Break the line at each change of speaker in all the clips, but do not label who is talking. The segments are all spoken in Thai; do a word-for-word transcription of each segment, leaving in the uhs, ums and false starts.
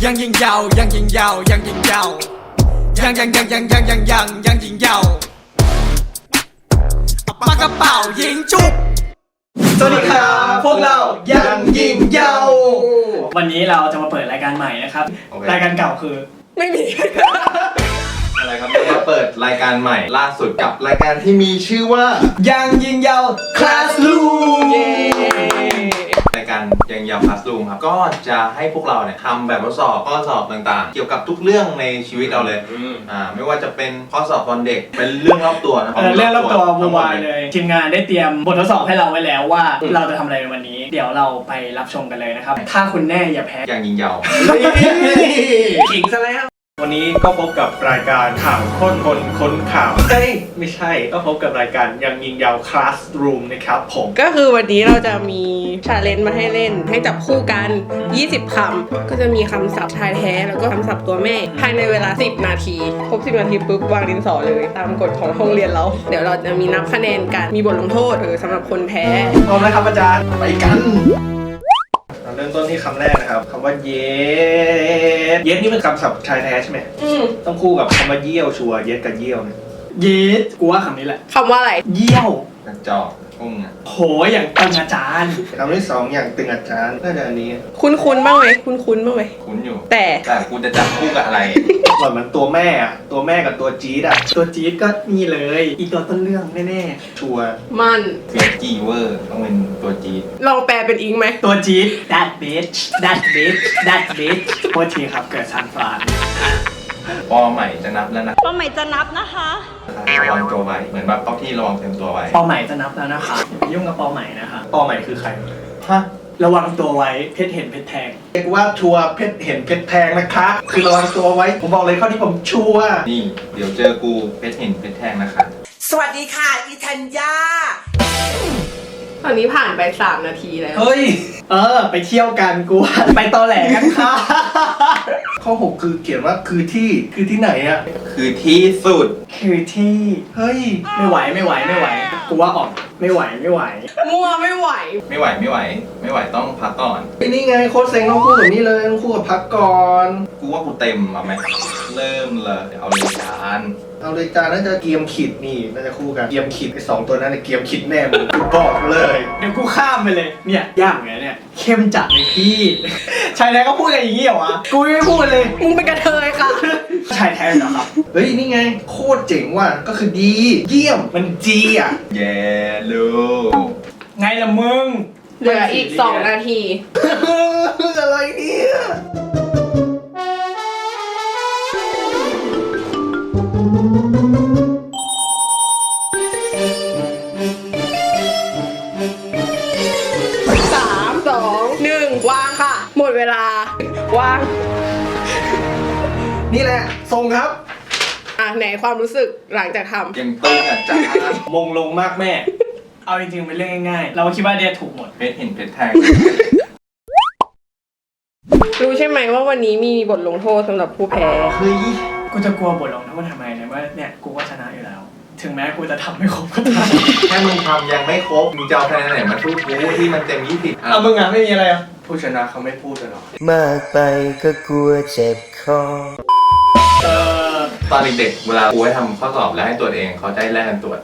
ยังยิงยาวยังยิงยาวยังยิงยาวยังยังยังยังยังยังยังยังยิงยาวปากกระเป๋ายิงจุกสวัสดีครับพวกเรายังยิงยาววันนี้เราจะมาเปิดรายการใหม่นะครับ
okay.
รายการเก่าคือไม่มี
อะไรครับเราเปิดรายการใหม่ล่าสุดกับรายการที่มีชื่อว่า
ยังยิงยาว Classroom
รายการยังยาว Classroom ครับก็จะให้พวกเราเนี่ยทำแบบทดสอบข้อสอบต่างๆเกี่ยวกับทุกเรื่องในชีวิตเราเลยอ่าไม่ว่าจะเป็นข้อสอบตอนเด็กเป็นเรื่องรอบตัวนะ
เรื่องรอบตัววุ่นวายเลยทีมงานได้เตรียมบททดสอบให้เราไว้แล้วว่าเราจะทำอะไรในวันนี้เดี๋ยวเราไปรับชมกันเลยนะครับถ้าคุณแน่อย่าแพ้
ยังยิงยาว
ขิงซะแล้ววันนี้ก็พบกับรายการข่าวค้นคนค้นข่าวเฮ้ยไม่ใช่ก็พบกับรายการยังยิงยาว Classroom นะครับผม
ก็คือวันนี้เราจะมีชาเลนจ์มาให้เล่นให้จับคู่กันยี่สิบคำก็จะมีคำศัพท์ชายแท้แล้วก็คำศัพท์ตัวแม่ภายในเวลาสิบนาทีครบสิบนาทีปุ๊บวางดินสอเลยตามกฎของโรงเรียนเราเดี๋ยวเราจะมีนับคะแนนกันมีบทลงโทษเออสำหรับคนแพ้
พร้อมแล้วครับอาจารย์ไปกันเริ่มต้นที่คำแรกนะครับคำว่าเยสเยสนี่เป็นคำศัพท์ชายแท้ใช่ไหม
อืม
ต้องคู่กับคำว่าเยี่ยวชัวเยสกับเยี่ยวเนี่ย
เยสกูว่าคำนี้แหละ
คำว่าอะไร
เยี่ยว
กระจอกพุ่งอ่ะ
โหอย่างตึงอาจารย์
คำที่สองอย่างตึงอาจารย์น่าจะอันนี้
คุ้นคุ้นบ้างไหมคุ้นคุ้นบ้างไหม
คุ้นอยู่
แต่
แต่กูจะจับคู่กับอะไร
ก่อนมันตัวแม่อะตัวแม่กับตัวจี๊ดอะ
ตัวจี๊ดก็นี่เลยอีตัวต้นเรื่องแน่
ๆชัว
มัน
เฟียจีเวอร์ต้องเป็นตัวจี๊ด
ลองแปลเป็นอิงไหม
ตัวจี๊ด that bitch that bitch that bitch โทษทีครับเกิดซันฟราน
ปอใหม่จะนับแล้วนะ
ปอใหม่จะนับนะคะ
ระวังตัวไว้เหมือนแบบเข้าที่ระวังเต็มตัวไว้
ปอใหม่จะนับแล้วนะคะอย่ายุ่งกับปอใหม่นะคะ
ปอใหม่คือใคร
ฮะ
ระวังตัวไว้เพชรเห็นเพชรแทง
เรียกว่าชัวเพชรเห็นเพชรแทงนะคะคือระวังตัวไว้ผมบอกเลยข้อที่ผมชัว
นี่เดี๋ยวเจอกูเพชรเห็นเพชรแทงนะคะ
สวัสดีค่ะอีธัญญา
ตอนนี้ผ่านไปสามนาทีแล้ว
เฮ้ยเออไปเที่ยวกันกูไปตอแหลกันค่ะ
ข้อหกคือเขียนว่าคือที่คือที่ไหนอะ
คือที่สุด
คือที่
เฮ้ย
ไม่ไหวไม่ไหวไม่ไหวกูว่าออกไม่ไหวไม่ไหว
มัวไม่ไหว
ไม่ไหวไม่ไหวไม่ไหวต้องพักก่อน
นี่ไงโค้ชเซ็งต้องคู่กับนี่เลยต้องคู่กับพักก่อน
กูว่ากูเต็มมาไหมเริ่มเลยเอาเลยจาน
เอาเลยจานน่าจะเกียมขิดนี่น่าจะคู่กันเกียมขิดไอ้สองตัวนั้นเกียมขิดแน่มึงบอกเลย
เดี๋ยวกูข้ามไปเลยเนี่ยยากไงเนี่ยเข้มจัดเลยพี่ชายแท้ก็พูดกันอย่างนี้เหรอวะกูไม่พูดเลย
มึงเป็นกระเทยค่ะ
ชายแท้เหรอครับ
เฮ้ยนี่ไงโคตรเจ๋งว่ะก็คือดีเยี่ยมมันจีอ่ะ
แย่ลู
ไงล่ะมึง
เหลืออีกสองนาที
อะไรเนี่ย
สามสองหนึ่งวางค่ะหมดเวลาวาง
นี่แหละส่งครับ
อ่ะไหนความรู้สึกหลังจากทำ
ยังตึงอ่ะจ้าม
งลงมากแม่
เอาจริงๆเป็นเรื่องง่ายๆเราคิดว่าเดียถูกหมด
เพชรเห็นเพชรแทง
รู้ใช่ไหมว่าวันนี้มีบทลงโทษสำหรับผู้แพ้
เฮ้ย
กูจะกลัวบทลงโทษทำไมเนี่ยว่าเนี่ยกูก็ชนะอยู่แล้วถึงแม้กูจะทำไม่ครบก็ตาม
แค่มึงทำยังไม่ครบมึงจะเอาคะแนนไหนมาสู้กูที่มันเต็มยี่สิบ
เอามึงอ่ะไม่มีอะไรอ่ะ
ผู้ชนะเขาไม่พูดกันหรอก
มากไปก็กลัวเจ็บคอ
ตอนเด็กๆเวลากูให้ทำข้อสอบแล้วให้ตรวจเองเขาได้แลกกันตรวจ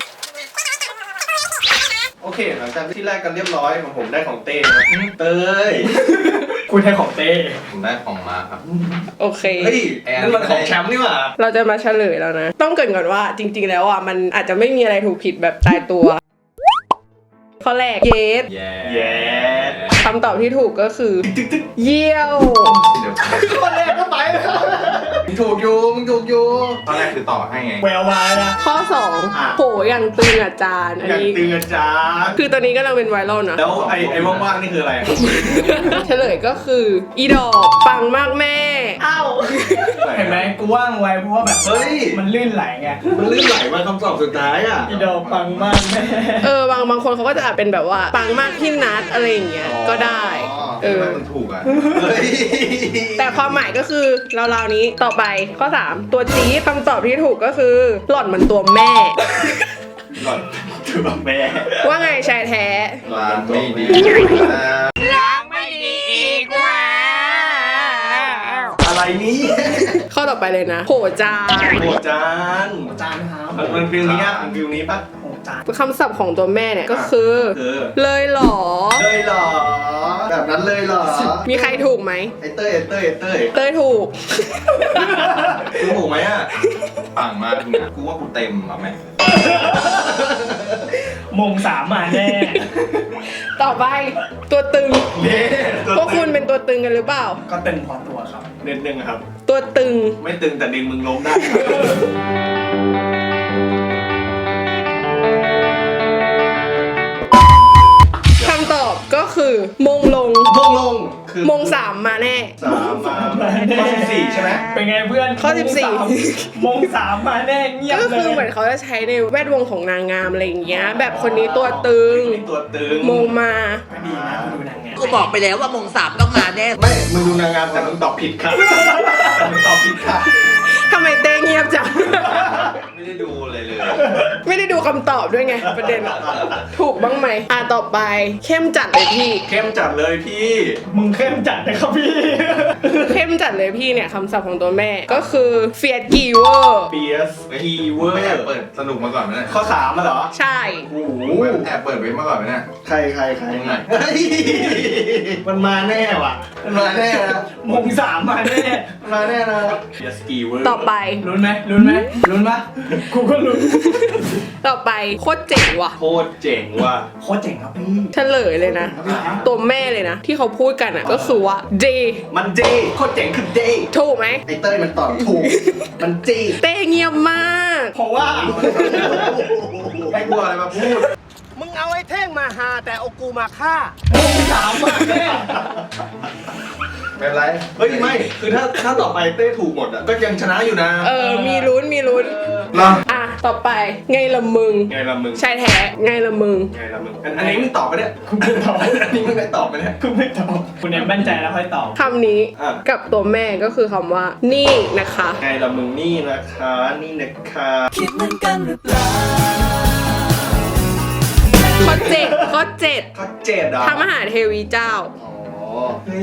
โอเคหลังจากที่แรกกันเรียบร้อยของผมได้ของเต้นะเต้ย
คุณได้ของเต้
ผมได้ของมาครับ
โอเค
เฮ้ยนั่นมันของแชมป์นี่หว่า
เราจะมาเฉลยแล้วนะต้องเกริ่นก่อนว่าจริงๆแล้วอ่ะมันอาจจะไม่มีอะไรถูกผิดแบบตายตัวข้อแรกเยส
เยส
คำตอบที่ถูกก็คือเยี่ยว
ข้อแรกก็ไปแล้วมึงถูกอยู่มึงถูกอยู่
ข้อแรกคือต่อให้ไง
แวววายนะ
ข้อสองโหอย่างตึงอาจารย์
อันนี้ตึงอาจารย์
คือตอนนี้ก็เราเป็นไวรัลนะ
แล้วไอ้ไอ้ว่างๆนี่คืออะไร
เฉลยก็คืออีดอกปังมากแม่
อ้าวเห็นไหมกูว่างไวเพราะว่าแบบเฮ้ยมันลื่นไหลไง
มันลื่นไหลมาคำตอบสุดท้ายอ่ะ
อีดอกปังมากแม่
เออบางบางคนเขาก็จะเป็นแบบว่าปังมากพี่นัทอะไรอย่างเงี้ยก็ได้
เออมันถูกอ่ะ
แต่ความหมายก็คือเราๆนี้ต่อไปข้อสามตัวจี๊ดคำตอบที่ถูกก็คือหล่อนมันตัวแม่
หล่อนตัวแม่
ว่าไงชายแท้
ล้างไม่ดี
ล้างไม่ดีอีกแล้วอะไร
อะไรนี้
ข้อต่อไปเลยนะโหจาน
โหจาน
จานครับ
มันมันฟิลนี้อ่ะมันฟิลนี้ปะ
โอ้จาน
คำศัพท์ของตัวแม่เนี่ยก็คือ
คือ
เลยเหรอ
เลยเหรอแบบนั้นเลยเหรอ
มีใครถูกไหม
ไอเต้ยไอเต้ยไอเต้ย
เต้ยถูก
กูถูกไหมอ่ะ
ปังมากมึงอ่ะกูว่ากูเต็มอ่ะแม่
มงสามมาแน่
ต่อไปตัวตึง
เนี่ย
พวกคุณเป็นตัวตึงกันหรือเปล่า
ก็ตึงพอตัวครับ
เน้นหนึ่งครับ
ตัวตึง
ไม่ตึงแต่ดึงมึงล้มได้
คำตอบก็คือมงลง
มงลงคือ
มงสามมาแน่
สามมาข้อสิบสี่ใช่ไหม
เป็นไงเพื่อน
ข้อสิบสี่
มงสามมาแน่เงียบ
ก็
เล
คือย เหมือนเขาจะใช้ในแวดวงของนางงามอะไรอย่างเงี้ย แบบคนนี้ตัวตึง
นี่ตัวตึง
มงมา
ก็ดีนะคุณดูนางงาม
กูบอกไปแล้วว่ามงสามต้องมาแน่
ไม่มึงดูนางงามแต่มึงตอบผิดค่ะแต่มึงตอบผิดค่ะ
ทำไมเต้เงียบจัง
ไม่ได้ดูเลยเลย
ไม่ได้ดูคำตอบด้วยไงประเด็นอะถูกบ้างไหมอ่ะต่อไปเข้มจัดเลยพี่
เข้มจัดเลยพี่
มึงเข้มจัดนะครับพี่
เข้มจัดเลยพี่เนี่ยคำศัพท์ของตัวแม่ก็คือเฟียดกีเวอร์
เบียสคีเวอ
ไม่แอบ
ร์
เปิดสนุกมาก่อนไหมเนี่ย
ข้อสามมาเหรอ
ใช่
โอ้โห
แอบเปิดเว็บมาก่อนไหมเนี่ย
ใครใครใคร
ยังไง
เฮ้ยมันมาแน่ว่ะ มันมาแน่นะ
มงสามมาแน่
มันมาแน่นะเบียสกีเวอร์
ต่อไป
ลุ้นไหมลุ้นไหมลุ้นปะกูก็ลุ้น
ต่อไปโคตรเจ๋งว่ะ
โคตรเจ๋งว่ะ
โคตรเจ๋งครับพี่
เฉลยเลยนะ ตัวแม่เลยนะ ที่เขาพูดกันอ่ะก็คือว่า J
มันเจโคตรเจ๋งคือเจ
ถูกไหม
ไอเต้ยมันตอบถูก มันเจ
เต้เงียบมาก
เพราะว่า
ให้กูเอาอะไรมาพูด
มึงเอาไอ้เท่งมาหาแต่เอากูมาฆ่า
มงสามมาแน่
ไม่เป็นไร
เฮ้ยไม่ คือถ้าถ้าต่อไปเต้ถูกหมดอ่ะ ก็ยังชนะอยู่นะ
เออ มีลุ้นมีลุ้น
เหรอ
อ่ะ ต่อไปไงละมึง
ไงล่ะมึง
ชายแท้ไงละมึง
ไงล่ะมึง อันอันนี้มึงตอบไปเนี่ย
คุณไม่ตอบ
อันนี้มึงได้ตอบไปเนี่ย
คุณไม่ตอบคุณเนี่ยมั่นใจแล้วค่อยตอบ
คำนี้
อ่ะ
กับตัวแม่ก็คือคำว่า นี่นะคะ
ไงล่ะมึงนี่นะคะ นี่นะคะ
ข้อเจ็ดข้อเจ็ด
ข้อเจ็ดเหรอ
พระมหาเทวีเจ้า
อ๋อ เฮ้ย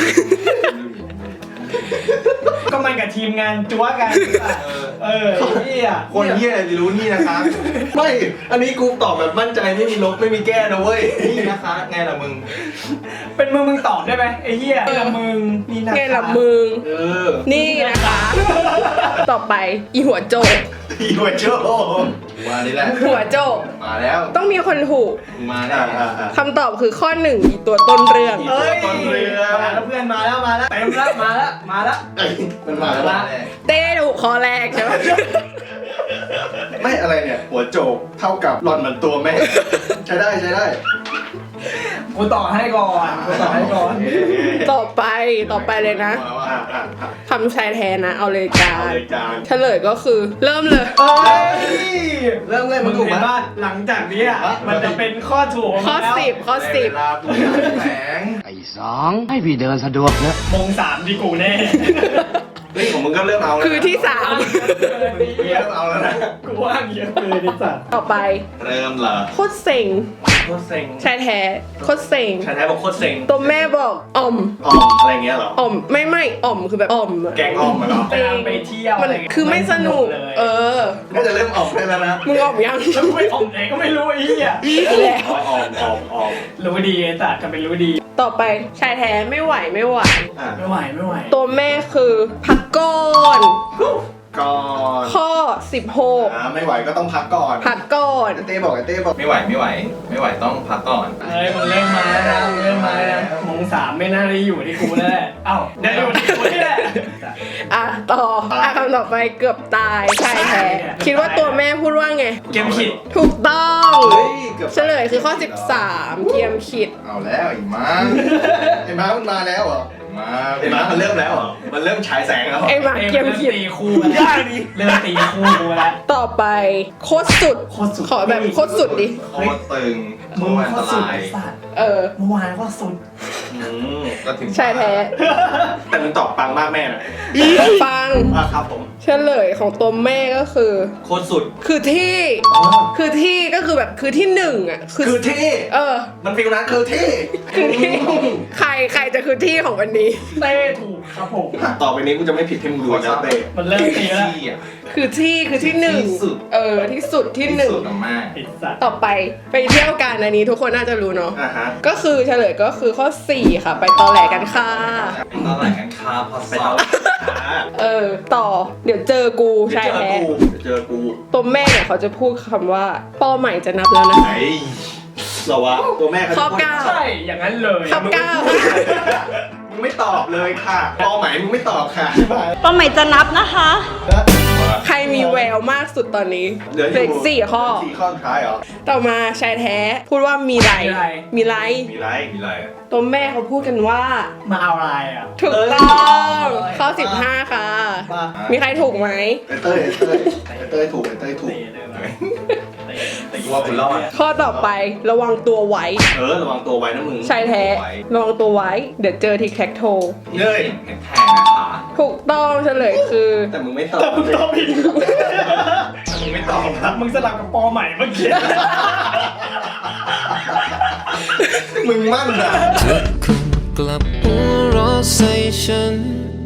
ก็มันกับทีมงานจั๊วกัน
เออ
เออเฮีย
คนเฮียอะไรจะรู้นี่นะคะ
ไม่ อันนี้กูตอบแบบมั่นใจไม่มีลบไม่มีแก้นะเว้ย
นี่นะคะ ไงล่ะมึง
เป็นมึงมึงตอบได้ไหมไอ้เฮียไอ้ละมึงนี่นะ
ไงละมึง
เออ
นี่นะคะ ต่อไปอีหัวโจก
อีหัวโจ
มานี่แหละ
หัวโจก
มาแล้ว
ต้องมีคนถูก
มึงมาแน่
อ่าอ่าอ่า
คำตอบคือข้อหนึ่งอีตัวต้นเรื่อง
เอ้ย
ต้นเรือ
มาแล้วเพื่อนมาแล้วมาแล้วเต็มแล้วมาแล้วมาแล้ว
เอ้ยมันมาแล้ว
มา
วะ
แน่
เต้ถูกข้อแรกใช่ไหม
ไม่อะไรเนี่ย หัวโจกเท่ากับหล่อนเหมือนตัวแม่ ใช้ได้ใช้ได้
กูต่อให้ก่อนกูต่อให้ก่อน
ต่อไปต่อไปเลยนะ
มาแล้ว
อ่า
อ่ะ
อ่าอ่า
คำชายแทนนะ เอาเลยจา
เอา
น
เลยจาน
เฉลยก็คือเริ่มเลย
เอ้ย
เริ่มเลย
มึ
มึ
ง
งถูก
เห็
ไหม
นว่าหลังจากนี้อ่ะมันจะเป็นข้อถูก
ข้อ
แล้ว
สิบข้อ
ได้
สิบ
เวลาพูดอย่างแสง
ไอ้สองให้พี่เดินสะดวกเนอะ
มงสามดีกูแน่
เฮ้ยของมึงก็เริ่มเอาแล้วนะ
คือที่สาม
มึงเริ่มเอาแล้วนะ
กูว่างเยอะเลยดิสัตว์
ต่อไป
เริ่มเหรอ
โคตรเซ็ง
โคตรเซ็ง
ชายแท้โคตรเซ็ง
ชายแท้บอกโคตรเซ็ง
ตัวแม่บอกอ่อม
อ๋ออะไรเงี้ยเหรอ
อ่อมไม่ไม่อ่อมคือแบบอ่อมอะ
แกงออมมาเหรอ
เวลาไปเที่ยว
มัน
ะไรเงี้ย
คือไม่สนุก
เลย
เออ
ก็จะเริ่มออกได้แล้วนะ
มึงอ่อมยัง
แล้วกูไปอมไหนก็ไม่รู้ไอ้เหี้ย
แล้ว
ออมออมออม
รู้ดีไอ้สัตว์จะเป็นรู้ดี
ต่อไปชายแท้ไม่ไหวไม่ไหว
อ่ะ
ไม่ไหวไม่ไหว
ตัวแม่คือพักก่อน
ก่อน
ข้อสิบหก
อ่าไม่ไหวก็ต้องพักก่อน
พักก่อน
ไอ้เต้บอกไอ้เต้บอก
ไม่ไหวไม่ไหว ไม่ไหวต้องพักก่อน
เฮ้ยมึงเล่นมาแล้วนะมึงเล่นมาแล้วนะมงสามไม่น่าได้อยู่ที่กูแล้วแหละเอ้าได้อยู่ที่กูนี่แหละ
อ่ะต่ออ่ะคำต่อไปเกือบตายชายแท้คิดว่าตัวแม่พูดว่าไง
เกมขิด
ถูกต้อง
เฮ้ยเกือบ
เฉลยคือข้อสิบสามเกียมขิด
เอาแล้วอีกมั้ง
ไอ้ม้ามันมาแล้วเหรอ
มา
ไอ้ม้ามันเริ่มแล้วเหรอ มันเริ่มฉายแสงแล้วเหรอ
ไอ้หมา
เก
เกีย
ม
มขิด
ตีคู่มาแล้วเริ่มตีคู่กูแล้ว
ต่อไปโคตรสุด
โคตรสุด
ขอแบบโคตรสุดดิ
โคตรตึงโค
มึง
ตรอัน
โค
ต
ตรสุด
ราย
ไอ้สัตว์
เออ
เมื่อวานก็สุด
อืม
ก็ถึง
ชายแท้
แต่มันตอบปังมากแม่นะ
ฟัง
อ่ะครับผม
เฉลยของตัวแม่ก็คือ
โคตรสุด
คือที่ คือที่ก็คือแบบคือที่หนึ่งอ่ะ
คือที่
เออ
มันฟิลนั้นคือที่
คือที่ใครใครจะคือที่ของวันนี้
เต้ถูกครับผม
ต่อไปนี้กูจะไม่ผิดให้มึงดูนะเต้
มันเริ่มตีแล้ว
ที่อ่ะ
คือที่คือที่หนึ่ง
ที่สุด
เออที่สุดที่หนึ่ง
สุดอะมาก
ไอ้สัตว์
ต่อไปไปเที่ยวกันอันนี้ทุกคนน่าจะรู้เนาะ
อ่าฮะ
ก็คือเฉลยก็คือข้อสี่ค่ะ ไปตอแหลกันค่ะ
ตอนไหนกันครับพอ
ไป
สอ
เอา
บ
เออ ต่อเดี๋ยวเจอกู
เดี๋ยว
ชาย
เจอ
แท้
กูเดี๋ยวเจอกู
ตัวแม่เนี่ยเขาจะพูดคำว่าป้อใหม่จะนับแล้วนะ
ไหนเหรอวะตัวแม่เขาจะ
ข้อ
พูด
เก้า
ใช่อย่างนั้นเลย
ข้อเก้า
มึงไม่ตอบเลยค่ะพอไหมมึงไม่ตอบค่ะ
ป้าใหม่จะนับนะคะ
ใครมีแววมากสุดตอนนี้
เหลืออ
เหลือยู่ อีกสี่ข้อ
สี่ข้อสุดท้ายเหรอ
ต่อมาชายแท้พูดว่ามีไร มีไร
มีไร
มีอะไรอะ
ตัวแม่เขาพูดกันว่า
มาเอาอะไรอ่ะ
ถูกต้องข้อสิบห้าค่ะ มีใครถูกไหม
ไอ้เต้ยไอ้เต้ยไอ้เต้ยถูกไอ้เต้ยถูก
เตะเลยว่ะเตะเตะ
กูว่าคุณรอด
ข้อต่อไประวังตัวไว้
เออระวังตัวไว้นะมึง
ชายแท้ระวังตัวไว้ เดี๋ยวเจอทีแคคโท
เฮ้ย
เห็นแทงนะคะ
ถูกต้องเฉลยคือ
แต่มึงไม่ตอบ
มึงตอบผิด
มึงไม่ตอบครับ
มึงสลับกับปอใหม่เมื่อกี้
มึงมั่นอ่ะ
กลับหัวเราะใส่ฉัน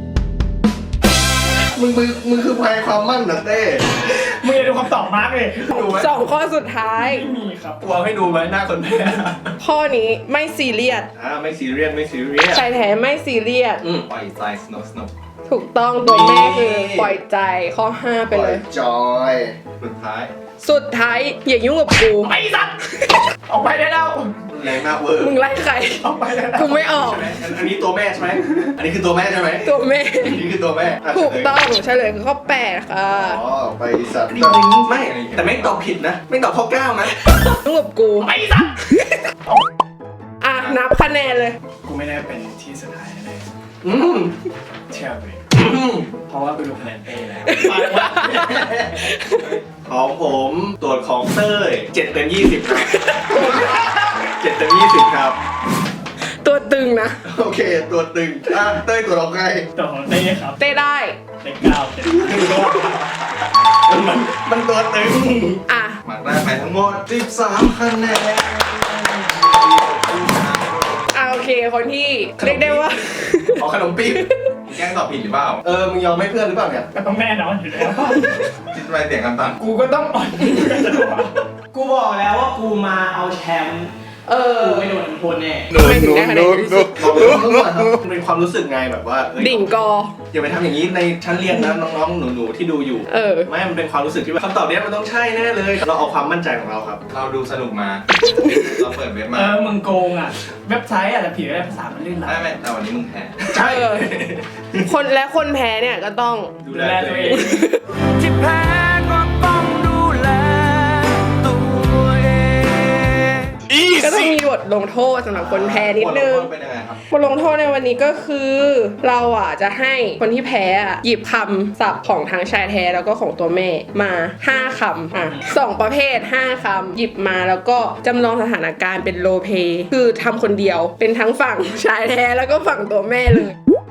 มึงมึงมึงคือภัยความมั่นนะเต้
มึงอย่าดูคำตอบมาร์กเลย
ดูไหม
สองข้อสุดท้าย
ไม่มีครับ
กลัวให้ดูไหมหน้าคนแพ้
ข้อนี้ไม่ซีเรียส
อ่าไม่ซีเรียสไม่ซีเรียส
ชายแท้ไม่ซีเรียส
อืม
ปล่อยใจสนุกสนุก
ถูกต้องตัวแม่คือปล่อยใจข้อห้าไปเลย
จอย
สุดท้าย
สุดท้ายอย่ายุ่งกับกู
ไอ้สัตว์ออกไปได้แล้ว
แรงมากเวอร์
มึงไล่ใคร
ออกไปได้แล้ว
กูไม่ออก
ใช่ไหมอันอันนี้ตัวแม่ใช่ไหมอันนี้คือตัวแม่ใช่ไหม
ตัวแม่
อันนี้คือตัวแม่ะ
ถูก
เฉลย
ต้องเฉลยคือข้อแปดค่ะ
อ๋อไปสัตว์ไม่แต่ไม่ตอบผิดนะ ไม่ตอบข้อเก้านะ
ยุ่งกับกู
ไอ้สัตว์
อ่ะนับคะแนนเลย
กูไม่ได้เป็นที่สุดท้ายแน่
อืม
ๆเชื่อกูดิ
อืม
เพราะว่ากูดูคะแนนเต้แล้ว
ของผมตรวจของเต้ยเจ็ดเต็มยี่สิบครับเจ็ดเต็มยี่สิบครับ
ตัวตึงนะ
โอเค ตัวตึงอ่ะเต้ยตัวเราไง
ตัวของเต้ครับ
เต้ได้
เต้เก้าเต้
มันมันตัวตึง
อ่ะ
มาได้ไปทั้งหมดสิบสามคะแนน
อ่ะโอเคคนที่เรียกได้ว่า
เอาขนมปี๊บ
แกล้งตอบผิดหรือเปล่า
เออ มึงยอมให้เพื่อนหรือเปล่าเนี่ย
ก็ต้องแน่นอนอยู่แล้ว
คิดทำไมเสียงกันต่ำ
กูก็ต้องอ่อนกูบอกแล้วว่ากูมาเอาแชมป์
เออ
กูไม่โดนทุกคนแน่
ไม่ถึงได้คะแนนที่สุด
มันเป็นความรู้สึกไงแบบว่าเอ้ย
ดิ่งกอ
อย่าไปทำอย่างนี้ในชั้นเรียนนะน้องๆ หนูๆ ที่ดูอยู่
เออ
ไม่ มันเป็นความรู้สึกที่ว่าคำตอบเนี้ยมันต้องใช่แน่เลย เราเอาความมั่นใจของเราครับ
เราดูสนุกมา เราเปิดเว็บ
เอ
มา
อมึงโกงอ่ะ เว็บไซต์อาจจะผิดก็ได้ภาษามันลื่นไหล
ไม่ไม่แต่วันนี้มึงแพ้
ใช่
เออ คนและคนแพ้เนี่ยก็ต้อง
ดู
ดู
แล
แล
ตั
ตัว ว
เอ
เอง ง
ที่แพ้ก็ต้องดูแลตัวเอง
ก็ต้องมีบทลงโทษสำหรับคนแพ้นิดนึง
เป็นยังไงครับ
บทลงโทษในวันนี้ก็คือ เราอ่ะจะให้คนที่แพ้อ่ะหยิบคำศัพท์ของทั้งชายแท้แล้วก็ของตัวแม่มาห้าคำอ่ะสองประเภทห้าคำหยิบมาแล้วก็จำลองสถานการณ์เป็นโรลเพลย์คือทำคนเดียวเป็นทั้งฝั่งชายแท้แล้วก็ฝั่งตัวแม่เลย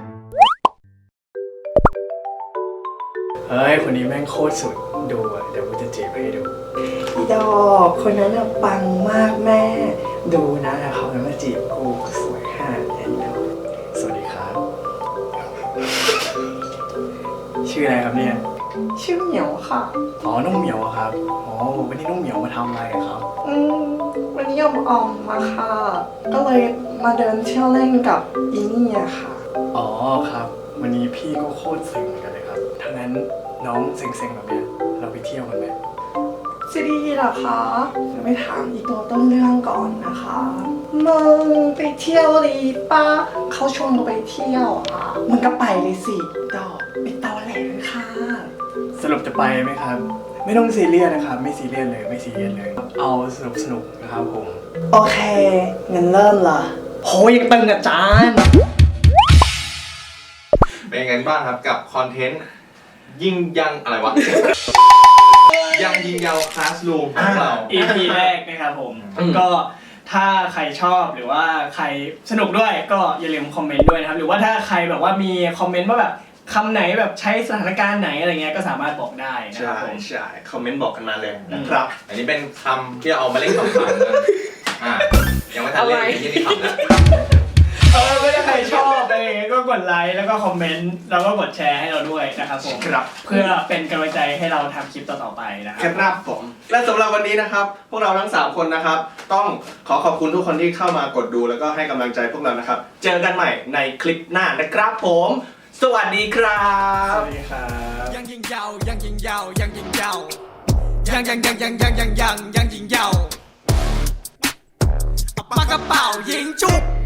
เฮ้ย คนนี้แม่งโคตรสุด ดูอ่ะ เดี๋ยวกูจะจีบให้ดู
ดอกคนนั้นอะปังมากแม่
ดูนะเขาจะมาจีบกูสวยขนาดนี้นะสวัสดีครับ ชื่ออะไรครับเนี่ย
ชื่อเหมียวค่ะ
อ๋อ น้องเหมียวอะครับ อ๋อ วันนี้น้องเหมียวมาทำอะไรอะครับ
อืมวันนี้ยอมออมมาค่ะ ก็เลยมาเดินเที่ยวเล่นกับอีนี่อะค่ะ
อ๋อครับ วันนี้พี่ก็โคตรเซ็งเหมือนกันเลยครับถ้างั้นน้องเซ็งๆแบบเนี้ยเราไปเที่ยวกันไหม
จะดีเหรอคะจะไปถามอีตัวต้นเรื่องก่อนนะคะมึงไปเที่ยวดีปะเขาชวนเราไปเที่ยวอ่ะมึงก็ไปเลยสิดอกไปตอแหลกันค่ะ
สรุปจะไปไหมครับ ไม่ต้องซีเรียสนะครับ ไม่ซีเรียสเลย ไม่ซีเรียสเลย เอาสนุกสนุกๆนะครับผม
โอเคงั้นเริ่มละ
โหยังตึงอาจารย์
เป็นยังไงบ้างครับกับคอนเทนต์ยิงยังอะไรวะ ยังยิงยาวคลาสรูมของเรา
อี พี แรกนะครับผม ก็ถ้าใครชอบหรือว่าใครสนุกด้วยก็อย่าลืมคอมเมนต์ด้วยนะครับ หรือว่าถ้าใครแบบว่ามีคอมเมนต์ว่าแบบคำไหนแบบใช้สถานการณ์ไหนอะไรเงี้ยก็สามารถบอกได้นะค
ใช่
รับผม
ใช่คอมเมนต์บอกกันมาเลยนะครับ
อันนี้เป็นคำที่เอามาเล่นขำๆกันอ่ายังไม่ทันเล่นเลยที่นี่ขำแล้ว
เออไม่ได้ใครชอบอะไรเงี้ยก็กดไลค์แล้วก็คอมเมนต์แล้วก็กดแชร์ให้เราด้วยนะครับผม
ครับ
เพื่อเป็นกำลังใจให้เราทำคลิปต่อๆไปนะค
ครับ รับผมและสำหรับวันนี้นะครับ พวกเราทั้งสามคนนะครับ ต้องขอขอบคุณทุกคนที่เข้ามากดดูแล้วก็ให้กำลังใจพวกเรานะครับ เจอกันใหม่ในคลิปหน้านะครับผม สวัสดีครับ
สวัสดีครับ
ยังยิงยาวยังยิงยาวยังยิงยาวยังยังยังยังยังยังยังยังยิงยาวปากกระเป๋ายิงจุบ